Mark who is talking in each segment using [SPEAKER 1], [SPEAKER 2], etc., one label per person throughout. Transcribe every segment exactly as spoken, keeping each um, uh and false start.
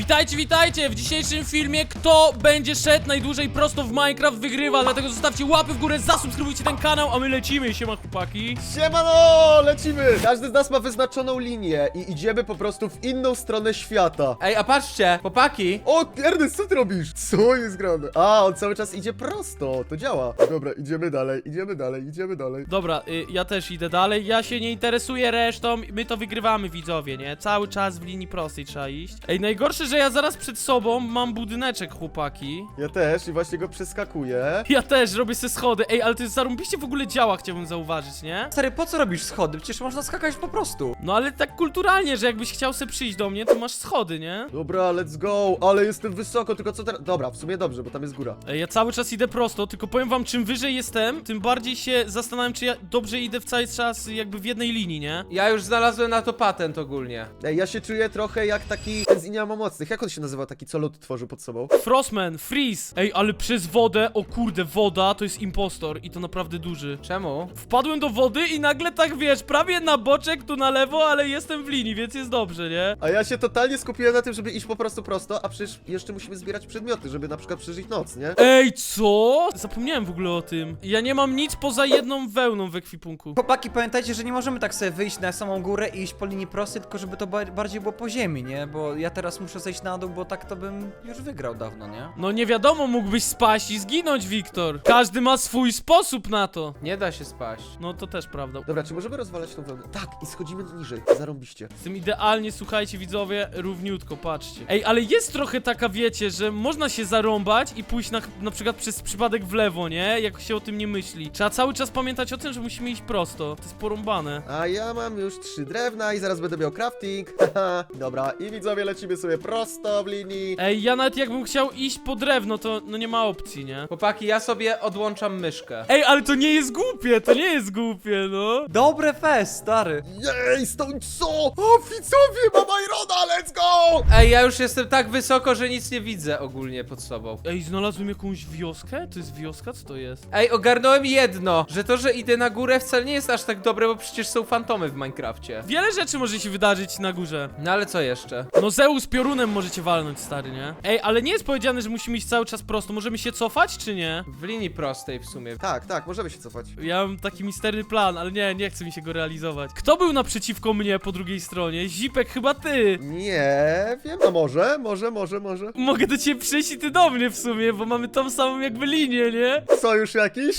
[SPEAKER 1] Witajcie, witajcie! W dzisiejszym filmie kto będzie szedł najdłużej prosto w Minecraft wygrywa, dlatego zostawcie łapy w górę, zasubskrybujcie ten kanał, a my lecimy, siema chłopaki.
[SPEAKER 2] Siemano, lecimy! Każdy z nas ma wyznaczoną linię i idziemy po prostu w inną stronę świata.
[SPEAKER 3] Ej, a patrzcie, chłopaki.
[SPEAKER 2] O, Ernest, co ty robisz? Co jest grane? A, on cały czas idzie prosto, to działa. Dobra, idziemy dalej, idziemy dalej, idziemy dalej.
[SPEAKER 1] Dobra, y, ja też idę dalej, ja się nie interesuję resztą, my to wygrywamy, widzowie, nie? Cały czas w linii prostej trzeba iść. Ej, najgorsze, że ja zaraz przed sobą mam budyneczek, chłopaki.
[SPEAKER 2] Ja też i właśnie go przeskakuję.
[SPEAKER 1] Ja też robię se schody. Ej, ale to jest zarąbiście w ogóle działa, chciałbym zauważyć, nie?
[SPEAKER 3] Stary, po co robisz schody? Przecież można skakać po prostu.
[SPEAKER 1] No ale tak kulturalnie, że jakbyś chciał se przyjść do mnie, to masz schody, nie?
[SPEAKER 2] Dobra, let's go, ale jestem wysoko, tylko co teraz? Dobra, w sumie dobrze, bo tam jest góra.
[SPEAKER 1] Ej, ja cały czas idę prosto, tylko powiem wam, czym wyżej jestem, tym bardziej się zastanawiam, czy ja dobrze idę w cały czas jakby w jednej linii, nie?
[SPEAKER 3] Ja już znalazłem na to patent ogólnie.
[SPEAKER 2] Ej, ja się czuję trochę jak taki ten z Inia Mocnych. Jak on się nazywa, taki co lód tworzył pod sobą?
[SPEAKER 1] Frostman, Freeze. Ej, ale przez wodę, o kurde, woda to jest impostor i to naprawdę duży.
[SPEAKER 3] Czemu?
[SPEAKER 1] Wpadłem do wody i nagle tak, wiesz, prawie na boczek, tu na lewo, ale jestem w linii, więc jest dobrze, nie?
[SPEAKER 2] A ja się totalnie skupiłem na tym, żeby iść po prostu prosto, a przecież jeszcze musimy zbierać przedmioty, żeby na przykład przeżyć noc, nie?
[SPEAKER 1] Ej, co? Zapomniałem w ogóle o tym. Ja nie mam nic poza jedną wełną w ekwipunku.
[SPEAKER 4] Chłopaki, pamiętajcie, że nie możemy tak sobie wyjść na samą górę i iść po linii prostej, tylko żeby to ba bardziej było po ziemi, nie? Bo ja teraz muszę zejść na dół, bo tak to bym już wygrał dawno, nie?
[SPEAKER 1] No nie wiadomo, mógłbyś spaść i zginąć, Wiktor. Każdy ma swój sposób na to.
[SPEAKER 3] Nie da się spaść.
[SPEAKER 1] No to też prawda.
[SPEAKER 2] Dobra, czy możemy rozwalać tą wełnę? Tak, i schodzimy niżej, zarąbiście.
[SPEAKER 1] Z tym idealnie, słuchajcie widzowie, równiutko, patrzcie. Ej, ale jest trochę taka, wiecie, że można się zarąbać i pójść na, na przykład przez przypadek w lewo, nie? Jak się o tym nie myśli. Trzeba cały czas pamiętać o tym, że musimy iść prosto. To jest porąbane.
[SPEAKER 2] A ja mam już trzy drewna i zaraz będę miał crafting. Haha, dobra, i widzowie lecimy sobie prosto w linii.
[SPEAKER 1] Ej, ja nawet jakbym chciał iść po drewno, to no nie ma opcji, nie?
[SPEAKER 3] Chłopaki, ja sobie odłączam myszkę.
[SPEAKER 1] Ej, ale to nie jest głupie, to nie jest głupie, no.
[SPEAKER 4] Dobre fest, stary!
[SPEAKER 2] Jej, stąd co? O, widzowie, mam Irona, let's go!
[SPEAKER 3] Ej, ja już jestem tak wysoko, że nic nie widzę ogólnie pod sobą.
[SPEAKER 1] Ej, znalazłem jakąś wioskę? To jest wioska? Co to jest?
[SPEAKER 3] Ej, ogarnąłem jedno, że to, że idę na górę wcale nie jest aż tak dobre, bo przecież są fantomy w Minecrafcie.
[SPEAKER 1] Wiele rzeczy może się wydarzyć na górze.
[SPEAKER 3] No ale co jeszcze?
[SPEAKER 1] No Zeus piorunem możecie walnąć, stary, nie? Ej, ale nie jest powiedziane, że musimy iść cały czas prosto. Możemy się cofać, czy nie?
[SPEAKER 3] W linii prostej w sumie.
[SPEAKER 2] Tak, tak, możemy się cofać.
[SPEAKER 1] Ja mam taki misterny plan, ale nie, nie chce mi się go realizować. Kto był naprzeciwko mnie po drugiej stronie? Zipek, chyba ty.
[SPEAKER 2] Nie wiem, a może, może, może, może.
[SPEAKER 1] Mogę do ciebie przyjść i ty do mnie w sumie, bo mamy tą samą jakby linię, nie?
[SPEAKER 2] Sojusz jakiś?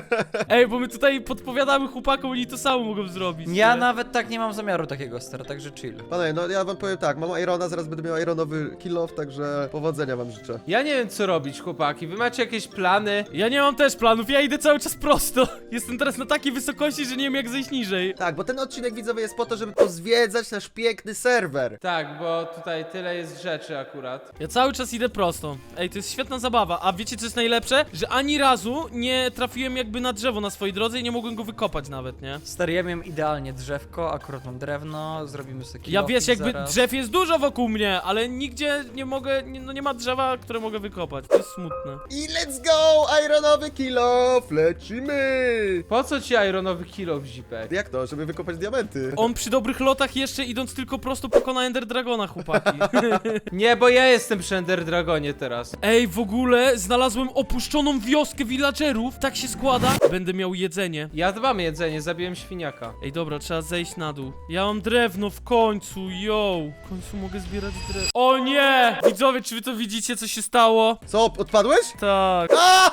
[SPEAKER 1] Ej, bo my tutaj podpowiadamy chłopakom, oni to samo mogą zrobić.
[SPEAKER 4] Ja
[SPEAKER 1] nie?
[SPEAKER 4] nawet tak nie mam zamiaru takiego, stary, także chill.
[SPEAKER 2] Panowie, no ja wam powiem tak, mam Irona, zaraz będę miał Ironowy kill off, także powodzenia wam życzę.
[SPEAKER 3] Ja nie wiem co robić, chłopaki. Wy macie jakieś plany?
[SPEAKER 1] Ja nie mam też planów, ja idę cały czas prosto. Jestem teraz na takiej wysokości, że nie wiem jak zejść niżej.
[SPEAKER 2] Tak, bo ten odcinek, widzowie, jest po to, żeby pozwiedzać nasz piękny serwer.
[SPEAKER 3] Tak, bo tutaj tyle jest rzeczy akurat.
[SPEAKER 1] Ja cały czas idę prosto. Ej, to jest świetna zabawa. A wiecie co jest najlepsze? Że ani razu nie trafiłem jakby na drzewo na swojej drodze i nie mogłem go wykopać nawet, nie?
[SPEAKER 4] Stary, ja miałem idealnie drzewko, akurat mam drewno, zrobimy sobie
[SPEAKER 1] Ja
[SPEAKER 4] kilofik
[SPEAKER 1] wiesz, jakby
[SPEAKER 4] zaraz.
[SPEAKER 1] drzew jest dużo wokół mnie, ale nigdzie nie mogę, nie, no nie ma drzewa, które mogę wykopać. To jest smutne.
[SPEAKER 2] I let's go! Ironowy kill off! Lecimy!
[SPEAKER 3] Po co ci ironowy kilo w zipek?
[SPEAKER 2] Jak to? Żeby wykopać diamenty.
[SPEAKER 1] On przy dobrych lotach jeszcze idąc tylko prosto pokona Ender Dragona, chłopaki.
[SPEAKER 3] Nie, bo ja jestem przy Ender Dragonie teraz.
[SPEAKER 1] Ej, w ogóle znalazłem opuszczoną wioskę villagerów. Tak się składa. Będę miał jedzenie.
[SPEAKER 3] Ja dbam jedzenie, zabiłem świniaka.
[SPEAKER 1] Ej, dobra, trzeba zejść na dół. Ja mam drewno w końcu, yo. W końcu mogę zbierać drewno. O nie! Widzowie, czy wy to widzicie, co się stało?
[SPEAKER 2] Co, odpadłeś?
[SPEAKER 1] Tak.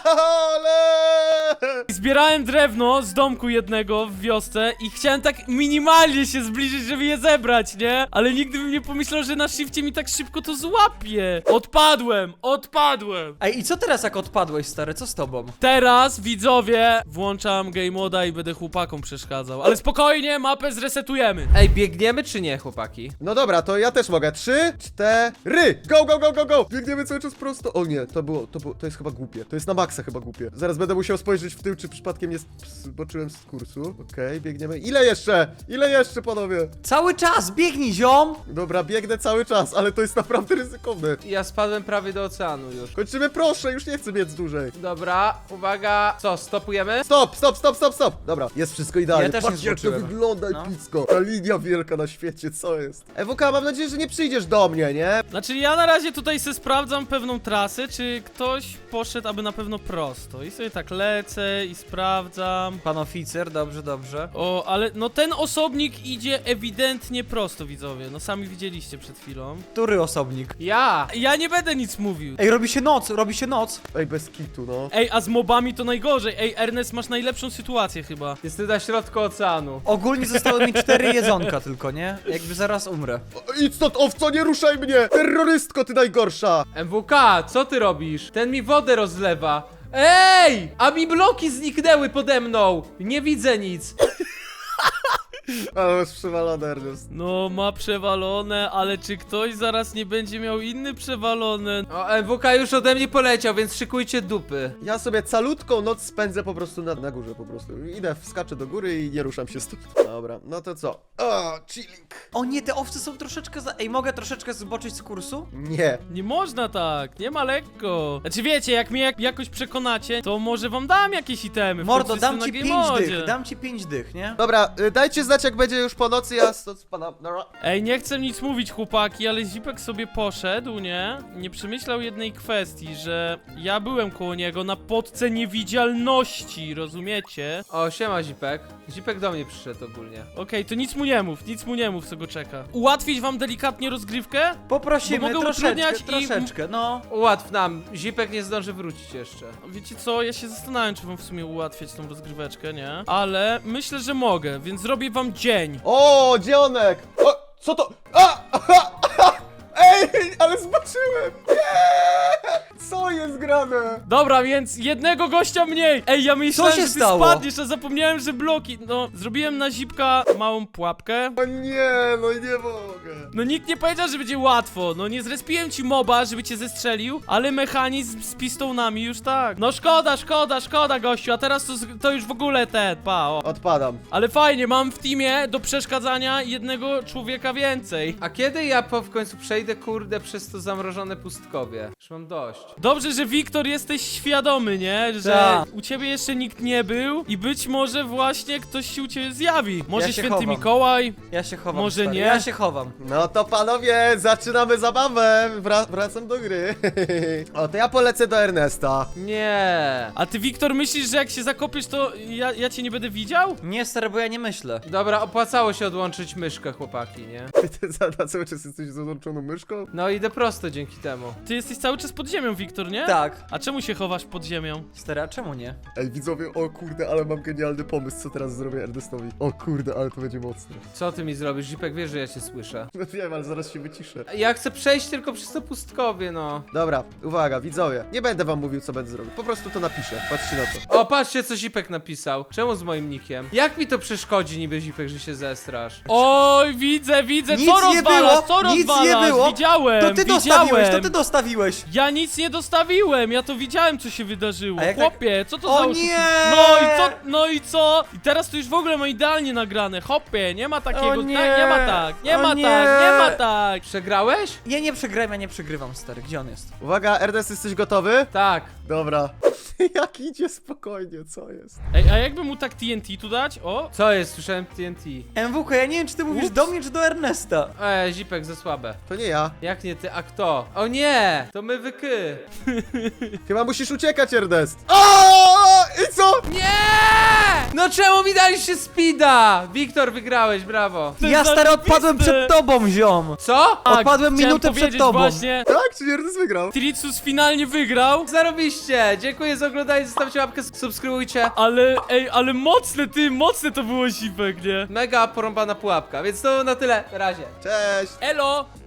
[SPEAKER 2] Ale!
[SPEAKER 1] Zbierałem drewno z domku jednego w wiosce i chciałem tak minimalnie się zbliżyć, żeby je zebrać, nie? Ale nigdy bym nie pomyślał, że na shifcie mi tak szybko to złapie. Odpadłem, odpadłem.
[SPEAKER 4] Ej, i co teraz jak odpadłeś, stary, co z tobą?
[SPEAKER 1] Teraz, widzowie, włączam game moda i będę chłopakom przeszkadzał. Ale spokojnie, mapę zresetujemy.
[SPEAKER 3] Ej, biegniemy czy nie, chłopaki?
[SPEAKER 2] No dobra, to ja też mogę. Trzy, cztery, go, go, go, go, go! Biegniemy cały czas prosto. O nie, to było, to było, to jest chyba głupie. To jest na maksa chyba głupie. Zaraz będę musiał spojrzeć w tył, czy przypadkiem nie zboczyłem z kursu. Okej, okay, biegniemy. Ile jeszcze? Ile jeszcze, panowie?
[SPEAKER 4] Cały czas, biegnij, ziom!
[SPEAKER 2] Dobra, biegnę cały czas, ale to jest naprawdę ryzykowne.
[SPEAKER 3] Ja spadłem prawie do oceanu już.
[SPEAKER 2] Kończymy, proszę, już nie chcę biec dłużej.
[SPEAKER 3] Dobra, uwaga. Co, stopujemy?
[SPEAKER 2] Stop, stop, stop, stop, stop! Dobra, jest wszystko idealnie.
[SPEAKER 4] Ja też nie
[SPEAKER 2] Patrzcie, jak to
[SPEAKER 4] zboczyłem.
[SPEAKER 2] wygląda
[SPEAKER 4] No.
[SPEAKER 2] epicko. Ta linia wielka na świecie, co jest? E W K, mam nadzieję, że nie przyjdziesz do mnie, nie? nie?
[SPEAKER 1] Znaczy ja na razie tutaj se sprawdzam pewną trasę, czy ktoś poszedł aby na pewno prosto. I sobie tak lecę i sprawdzam.
[SPEAKER 4] Pan oficer, dobrze, dobrze.
[SPEAKER 1] O, ale no ten osobnik idzie ewidentnie prosto, widzowie. No sami widzieliście przed chwilą.
[SPEAKER 4] Który osobnik?
[SPEAKER 3] Ja!
[SPEAKER 1] Ja nie będę nic mówił.
[SPEAKER 4] Ej, robi się noc, robi się noc.
[SPEAKER 2] Ej, bez kitu, no.
[SPEAKER 1] Ej, a z mobami to najgorzej. Ej, Ernest, masz najlepszą sytuację chyba.
[SPEAKER 3] Jestem na środku oceanu.
[SPEAKER 4] Ogólnie zostały mi cztery jedzonka tylko, nie? Jakby zaraz umrę.
[SPEAKER 2] O, idź stąd, owco, nie ruszaj mnie! Terrorystko, ty najgorsza!
[SPEAKER 3] M W K, co ty robisz? Ten mi wodę rozlewa. Ej! A mi bloki zniknęły pode mną! Nie widzę nic.
[SPEAKER 2] Ale masz przewalone, Ernest.
[SPEAKER 1] No, ma przewalone, ale czy ktoś zaraz nie będzie miał inny przewalony?
[SPEAKER 3] O, M W K już ode mnie poleciał, więc szykujcie dupy.
[SPEAKER 2] Ja sobie calutką noc spędzę po prostu na, na górze po prostu. Idę, wskaczę do góry i nie ruszam się stąd. Dobra, no to co? O, chilling.
[SPEAKER 4] O nie, te owce są troszeczkę za... Ej, mogę troszeczkę zboczyć z kursu?
[SPEAKER 2] Nie.
[SPEAKER 1] Nie można tak, nie ma lekko. Znaczy wiecie, jak mnie jak, jakoś przekonacie, to może wam dam jakieś itemy. W
[SPEAKER 4] Mordo,
[SPEAKER 1] końcu
[SPEAKER 4] dam
[SPEAKER 1] jestem
[SPEAKER 4] ci
[SPEAKER 1] na
[SPEAKER 4] pięć
[SPEAKER 1] Game
[SPEAKER 4] dych,
[SPEAKER 1] Modzie.
[SPEAKER 4] dam ci pięć dych, nie?
[SPEAKER 2] Dobra, y, dajcie znać, jak będzie już po nocy, ja stąd spadam. Dobra.
[SPEAKER 1] Ej, nie chcę nic mówić, chłopaki, ale Zipek sobie poszedł, nie? Nie przemyślał jednej kwestii, że ja byłem koło niego na podce niewidzialności, rozumiecie?
[SPEAKER 3] O, siema Zipek. Zipek do mnie przyszedł ogólnie.
[SPEAKER 1] Okej, to nic mu nie mów, nic mu nie mów, co go czeka. Ułatwić wam delikatnie rozgrywkę?
[SPEAKER 4] Poprosimy,
[SPEAKER 1] Bo mogę
[SPEAKER 4] troszeczkę,
[SPEAKER 1] utrudniać i-
[SPEAKER 4] troszeczkę, no.
[SPEAKER 3] Ułatw nam. Zipek nie zdąży wrócić jeszcze.
[SPEAKER 1] Wiecie co, ja się zastanawiam, czy wam w sumie ułatwiać tą rozgryweczkę, nie? Ale myślę, że mogę, więc zrobię wam dzień.
[SPEAKER 2] O, dzionek! O, co to? A! Aha, aha! Ej, ale zboczyłem! Nie! Co jest grane?
[SPEAKER 1] Dobra, więc jednego gościa mniej! Ej, ja myślałem,
[SPEAKER 4] się
[SPEAKER 1] że ty
[SPEAKER 4] stało?
[SPEAKER 1] spadniesz, a zapomniałem, że bloki. No, zrobiłem na Zipka małą pułapkę.
[SPEAKER 2] O nie, no nie mogę.
[SPEAKER 1] No nikt nie powiedział, że będzie łatwo. No nie zrespiłem ci moba, żeby cię zestrzelił, ale mechanizm z pistonami już tak. No szkoda, szkoda, szkoda, gościu, a teraz to, to już w ogóle ten, pa, o.
[SPEAKER 2] Odpadam.
[SPEAKER 1] Ale fajnie, mam w teamie do przeszkadzania jednego człowieka więcej.
[SPEAKER 3] A kiedy ja po w końcu przejdę, kurde, przez to zamrożone pustkowie? Już mam dość.
[SPEAKER 1] Dobrze, że Wiktor jesteś świadomy, nie? Że
[SPEAKER 4] Tak.
[SPEAKER 1] u ciebie jeszcze nikt nie był i być może właśnie ktoś się u ciebie zjawi. Może
[SPEAKER 4] Ja się
[SPEAKER 1] święty
[SPEAKER 4] chowam.
[SPEAKER 1] Mikołaj?
[SPEAKER 4] Ja się chowam,
[SPEAKER 1] Może
[SPEAKER 4] stary.
[SPEAKER 1] nie?
[SPEAKER 4] Ja się chowam.
[SPEAKER 2] No to panowie, zaczynamy zabawę. Wra wracam do gry. O, to ja polecę do Ernesta.
[SPEAKER 3] Nie.
[SPEAKER 1] A ty, Wiktor, myślisz, że jak się zakopiesz, to ja, ja cię nie będę widział?
[SPEAKER 4] Nie, stary, bo ja nie myślę.
[SPEAKER 3] Dobra, opłacało się odłączyć myszkę, chłopaki, nie?
[SPEAKER 2] Ty, ty za, na cały czas jesteś z odłączoną myszką?
[SPEAKER 3] No idę prosto dzięki temu.
[SPEAKER 1] Ty jesteś cały czas pod ziemią, Wiktor, nie?
[SPEAKER 4] Tak.
[SPEAKER 1] A czemu się chowasz pod ziemią?
[SPEAKER 4] Stary, a czemu nie?
[SPEAKER 2] Ej, widzowie, o kurde, ale mam genialny pomysł, co teraz zrobię Ernestowi. O kurde, ale to będzie mocne.
[SPEAKER 3] Co ty mi zrobisz? Zipek wie, że ja cię słyszę.
[SPEAKER 2] No wiem, ale zaraz się wyciszę.
[SPEAKER 3] Ja chcę przejść tylko przez to pustkowie, no.
[SPEAKER 2] Dobra, uwaga, widzowie. Nie będę wam mówił, co będę zrobił. Po prostu to napiszę. Patrzcie na to.
[SPEAKER 3] O, patrzcie, co Zipek napisał. Czemu z moim nickiem? Jak mi to przeszkodzi niby, Zipek, że się zestrasz?
[SPEAKER 1] Oj, widzę, widzę,
[SPEAKER 4] Nic
[SPEAKER 1] co
[SPEAKER 4] nie
[SPEAKER 1] rozwalasz,
[SPEAKER 4] było,
[SPEAKER 1] co
[SPEAKER 4] nic
[SPEAKER 1] rozwalasz?
[SPEAKER 4] nie było.
[SPEAKER 1] Widziałem,
[SPEAKER 4] To ty
[SPEAKER 1] widziałem.
[SPEAKER 4] dostawiłeś, to ty dostawiłeś.
[SPEAKER 1] Ja nic nie dostawiłem, ja to widziałem, co się wydarzyło.
[SPEAKER 4] A jak tak-
[SPEAKER 1] Chłopie, co to
[SPEAKER 4] O
[SPEAKER 1] za oszu-
[SPEAKER 4] nie!
[SPEAKER 1] No i co, no i co? I teraz to już w ogóle ma idealnie nagrane. Hopie, nie ma takiego,
[SPEAKER 4] O
[SPEAKER 1] tak,
[SPEAKER 4] nie!
[SPEAKER 1] nie ma tak, nie
[SPEAKER 4] O
[SPEAKER 1] ma
[SPEAKER 4] nie!
[SPEAKER 1] tak, nie ma tak.
[SPEAKER 3] Przegrałeś?
[SPEAKER 4] Ja nie przegrałem, ja nie przegrywam, stary. Gdzie on jest?
[SPEAKER 2] Uwaga, Ernest, jesteś gotowy?
[SPEAKER 3] Tak.
[SPEAKER 2] Dobra. Jak idzie spokojnie, co jest?
[SPEAKER 1] Ej, a jakby mu tak T N T tu dać? O,
[SPEAKER 3] Co jest? Słyszałem T N T.
[SPEAKER 4] M W K, ja nie wiem, czy ty mówisz
[SPEAKER 1] Ups.
[SPEAKER 4] do mnie, czy do Ernesta.
[SPEAKER 3] E, Zipek, za słabe.
[SPEAKER 2] To nie ja.
[SPEAKER 3] Jak nie ty, a kto? O nie! To my wyky.
[SPEAKER 2] Chyba musisz uciekać, Ernest. O! I co?
[SPEAKER 3] Nie! No czemu mi daliście speeda? Wiktor, wygrałeś, brawo.
[SPEAKER 1] To
[SPEAKER 4] Ja,
[SPEAKER 1] jest
[SPEAKER 4] stary, odpadłem
[SPEAKER 1] zajebiste.
[SPEAKER 4] przed tobą, ziom.
[SPEAKER 3] Co?
[SPEAKER 1] tak,
[SPEAKER 4] Odpadłem
[SPEAKER 1] chciałem
[SPEAKER 4] minutę przed
[SPEAKER 1] powiedzieć
[SPEAKER 4] tobą.
[SPEAKER 1] Właśnie,
[SPEAKER 2] Tak, czy Ernest wygrał?
[SPEAKER 1] Tricus finalnie wygrał.
[SPEAKER 3] Zarobiście! Dziękuję za oglądanie, zostawcie łapkę, subskrybujcie.
[SPEAKER 1] Ale, ej, ale mocne, ty, mocne to było Zipek, nie?
[SPEAKER 3] Mega porąbana pułapka, więc to na tyle. Na razie.
[SPEAKER 2] Cześć.
[SPEAKER 1] Elo!